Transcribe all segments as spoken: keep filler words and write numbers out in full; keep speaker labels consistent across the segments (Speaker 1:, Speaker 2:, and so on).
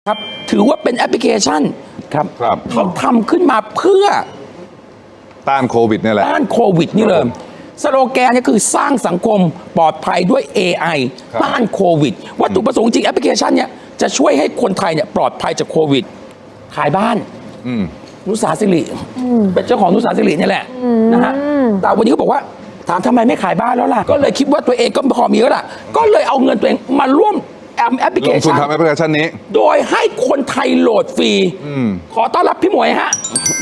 Speaker 1: ครับถือว่าเป็นแอปพลิเคชันครับ
Speaker 2: ครับ
Speaker 1: เขาทำขึ้นมาเพื่อ
Speaker 2: ต้านโควิดนี่แหละ
Speaker 1: ต้านโควิดนี่เลยสโลแกนนี่คือสร้างสังคมปลอดภัยด้วย เอ ไอ ต้านโควิดวัตถุประสงค์จริงแอปพลิเคชันเนี่ยจะช่วยให้คนไทยเนี่ยปลอดภัยจากโควิดขายบ้านนุสาสิริเป็นเจ้าของนุสาสิรินี่แหละนะฮะแต่วันนี้เขาบอกว่าถามทำไมไม่ขายบ้านแล้วล่ะก็เลยคิดว่าตัวเองก็พอมีแล้วล่ะก็เลยเอาเงินตัวเองมาร่วมแอปพลิเคชัน
Speaker 2: ลงทุนทำแอปพลิเคชันนี้
Speaker 1: โดยให้คนไทยโหลดฟรีขอต้อนรับพี่หมวยฮะ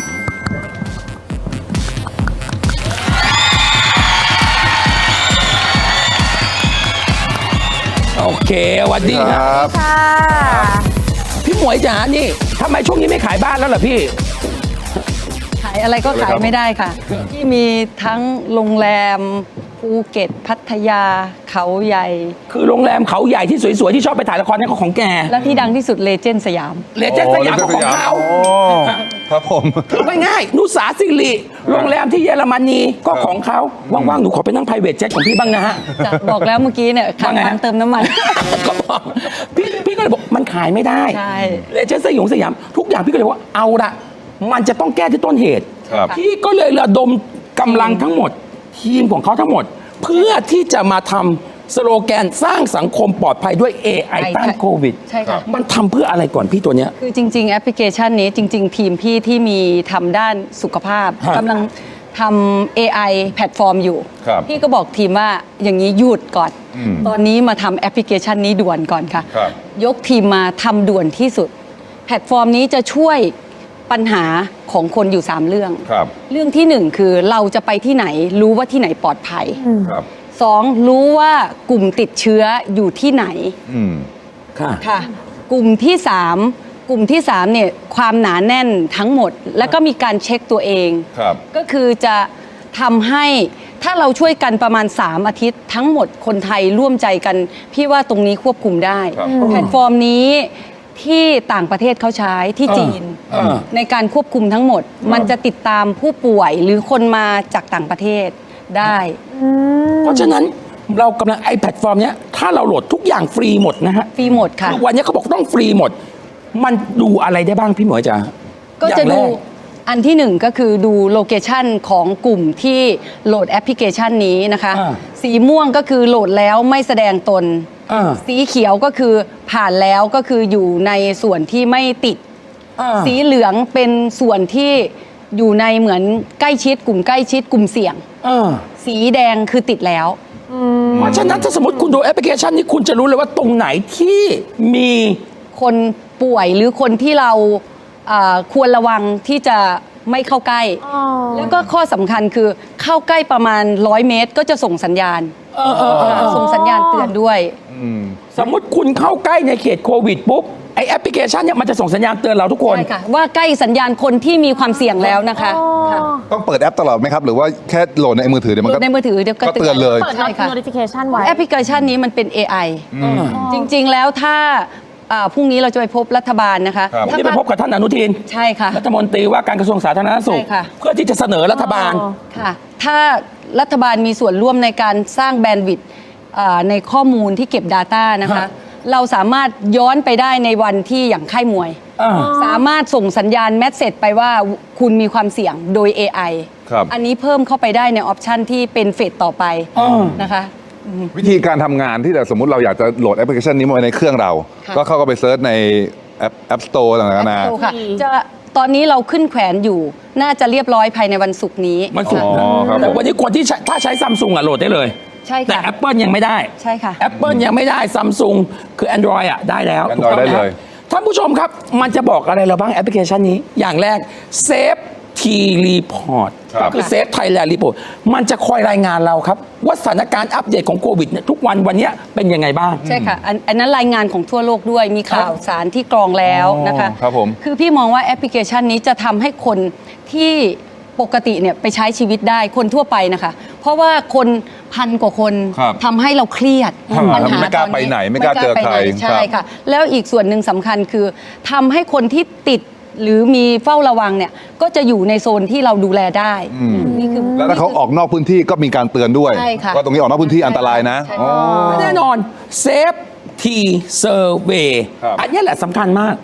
Speaker 1: โอเคสวัสดีครับพี่หมวยจ๋านี่ทำไมช่วงนี้ไม่ขายบ้านแล้วล่ะพี่
Speaker 3: ขายอะไรก็ขายไม่ได้ค่ะที่มีทั้งโรงแรมภูเก็ตพัทยาเขาใหญ่
Speaker 1: คือโรงแรมเขาใหญ่ที่สวยๆที่ชอบไปถ่ายละครนี่ก็ของแก
Speaker 3: และที่ดังที่สุดเลเจนด์สยาม
Speaker 1: เลเจนด์สยามของเขา
Speaker 2: ครับผม
Speaker 1: ง่ายๆนุสาสิริโรงแรมที่เยอรมนีก็ของเขาว่างๆหนูขอไปนั่ง private jet ของพี่บ้างนะฮะ
Speaker 3: บอกแล้วเมื่อกี้เนี่ยขาดน้ำเติมน้ำมัน
Speaker 1: ก็บอกพี่พี่ก็เลยบอกมันขายไม่ได้เลเจนด์สยามสยามทุกอย่างพี่ก็เลยว่าเอาละมันจะต้องแก้ที่ต้นเหตุพี่ก็เลยระดมกำลังทั้งหมดทีมของเขาทั้งหมดเพื่อที่จะมาทำสโลแกนสร้างสังคมปลอดภัยด้วย เอ ไอ ต้านโควิด
Speaker 3: ใช่ค่ะ
Speaker 1: มันทำเพื่ออะไรก่อนพี่ตัวเนี้ย
Speaker 3: คือจริงๆแอปพลิเคชันนี้จริงๆทีมพี่ที่มีทำด้านสุขภาพกำลังทำ เอ ไอ แพลตฟอร์มอยู่พี่ก็บอกทีมว่าอย่างนี้หยุดก่อนตอนนี้มาทำแอปพลิเคชันนี้ด่วนก่อนค่ะยกทีมมาทำด่วนที่สุดแพลตฟอร์มนี้จะช่วยปัญหาของคนอยู่สามเรื่องเรื่องที่หนึ่งคือเราจะไปที่ไหนรู้ว่าที่ไหนปลอดภัยสองรู้ว่ากลุ่มติดเชื้ออยู่ที่ไหนค่ะกลุ่มที่สามกลุ่มที่สามเนี่ยความหนาแน่นทั้งหมดแล้วก็มีการเช็คตัวเองก็คือจะทำให้ถ้าเราช่วยกันประมาณสามอาทิตย์ทั้งหมดคนไทยร่วมใจกันพี่ว่าตรงนี้ควบคุมได้แพลตฟอร์มนี้ที่ต่างประเทศเขาใช้ที่จีนในการควบคุมทั้งหมดมันจะติดตามผู้ป่วยหรือคนมาจากต่างประเทศได้
Speaker 1: เพราะฉะนั้นเรากำลังไอแพลตฟอร์มเนี้ยถ้าเราโหลดทุกอย่างฟรีหมดนะฮะ
Speaker 3: ฟรีหมดค่ะ
Speaker 1: วันนี้เขาบอกต้องฟรีหมดมันดูอะไรได้บ้างพี่หมวยจ๋า
Speaker 3: ก็จะดูอันที่หนึ่งก็คือดูโลเคชันของกลุ่มที่โหลดแอปพลิเคชันนี้นะคะสีม่วงก็คือโหลดแล้วไม่แสดงตนสีเขียวก็คือผ่านแล้วก็คืออยู่ในส่วนที่ไม่ติดสีเหลืองเป็นส่วนที่อยู่ในเหมือนใกล้ชิดกลุ่มใกล้ชิดกลุ่มเสี่ยงสีแดงคือติดแล้ว
Speaker 1: เพราะฉะนั้นถ้าสมมติคุณดูแอปพลิเคชันนี้คุณจะรู้เลยว่าตรงไหนที่มี
Speaker 3: คนป่วยหรือคนที่เราควรระวังที่จะไม่เข้าใกล้แล้วก็ข้อสำคัญคือเข้าใกล้ประมาณร้อยเมตรก็จะส่งสัญญาณส่งสัญญาณเตือนด้วย
Speaker 1: สมมติคุณเข้าใกล้ในเขตโควิดปุ๊บไอแอปพลิเคชันเนี่ยมันจะส่งสัญญาณเตือนเราทุกคน
Speaker 3: ใช่ค่ะว่าใกล้สัญญาณคนที่มีความเสี่ยงแล้วนะคะ
Speaker 2: ต้องเปิดแอปตลอดไหมครับหรือว่าแค่โหลดในมือถือเดี๋ยวมันก็
Speaker 3: ในมือถือเดี๋ยวก็
Speaker 2: เตือนเลย
Speaker 4: เปิด notification ไว้
Speaker 3: แอปพลิเคชันนี้มันเป็น เอ ไอ จริงๆแล้วถ้าพรุ่งนี้เราจะไปพบรัฐบาลนะคะ
Speaker 1: ที่ไปพบกับท่านอนุทิน
Speaker 3: ใช่ค่ะ
Speaker 1: รัฐมนตรีว่าการกระทรวงสาธารณสุขเพื่อที่จะเสนอรัฐบาล
Speaker 3: ค่ะถ้ารัฐบาลมีส่วนร่วมในการสร้างแบนด์วิดต์ในข้อมูลที่เก็บ Data นะคะเราสามารถย้อนไปได้ในวันที่อย่างค่ายมวยสามารถส่งสัญญาณแมสเสจไปว่าคุณมีความเสี่ยงโดย เอ ไอ อันนี้เพิ่มเข้าไปได้ในออปชันที่เป็นเฟสต่อไปนะคะ
Speaker 2: วิธีการทำงานที่สมมติเราอยากจะโหลดแอปพลิเคชันนี้มาไว้ในเครื่องเราก็เข้าไปเซิร์ชในแอป App Store ต่างๆนะ
Speaker 3: จะตอนนี้เราขึ้นแขวนอยู่น่าจะเรียบร้อยภายในวันศุกร์นี้
Speaker 1: วันศุกร์แต่วันนี้คนที่ถ้าใช้ซัมซุงอ่ะโหลดได้เลย
Speaker 3: ใช่ค่ะ
Speaker 1: แต่ Apple ยังไม่ได้
Speaker 3: ใช่ค่ะ
Speaker 1: Apple ยังไม่ได้ Samsung คือ Android อ่ะได้แล้ว
Speaker 2: ถูกต้องไหม
Speaker 1: ท่านผู้ชมครับมันจะบอกอะไรเราบ้างแอปพลิเคชันนี้อย่างแรก Safe T Report คือ Safe Thailand Report มันจะคอยรายงานเราครับว่าสถานการณ์อัปเดตของโควิดเนี่ยทุกวันวันนี้เป็นยังไงบ้าง
Speaker 3: ใช่ค่ะอันนั้นรายงานของทั่วโลกด้วยมีข่าวสารที่กรองแล้วนะคะ
Speaker 2: ครับผม
Speaker 3: คือพี่มองว่าแอปพลิเคชันนี้จะทำให้คนที่ปกติเนี่ยไปใช้ชีวิตได้คนทั่วไปนะคะเพราะว่าคนพันกว่าคนทำให้เราเครียด
Speaker 2: ปัญหาไม่กล้าไปไหนไม่กล้าเจอใคร
Speaker 3: ใช่ค่ะแล้วอีกส่วนหนึ่งสำคัญคือทำให้คนที่ติดหรือมีเฝ้าระวังเนี่ยก็จะอยู่ในโซนที่เราดูแลได้
Speaker 2: นี่คือแล้วถ้าเขาออกนอกพื้นที่ก็มีการเตือนด้วยว่าตรงนี้ออกนอกพื้นที่อันตรายนะ
Speaker 1: แน่นอน Safe T Survey อันนี้แหละสำคัญมาก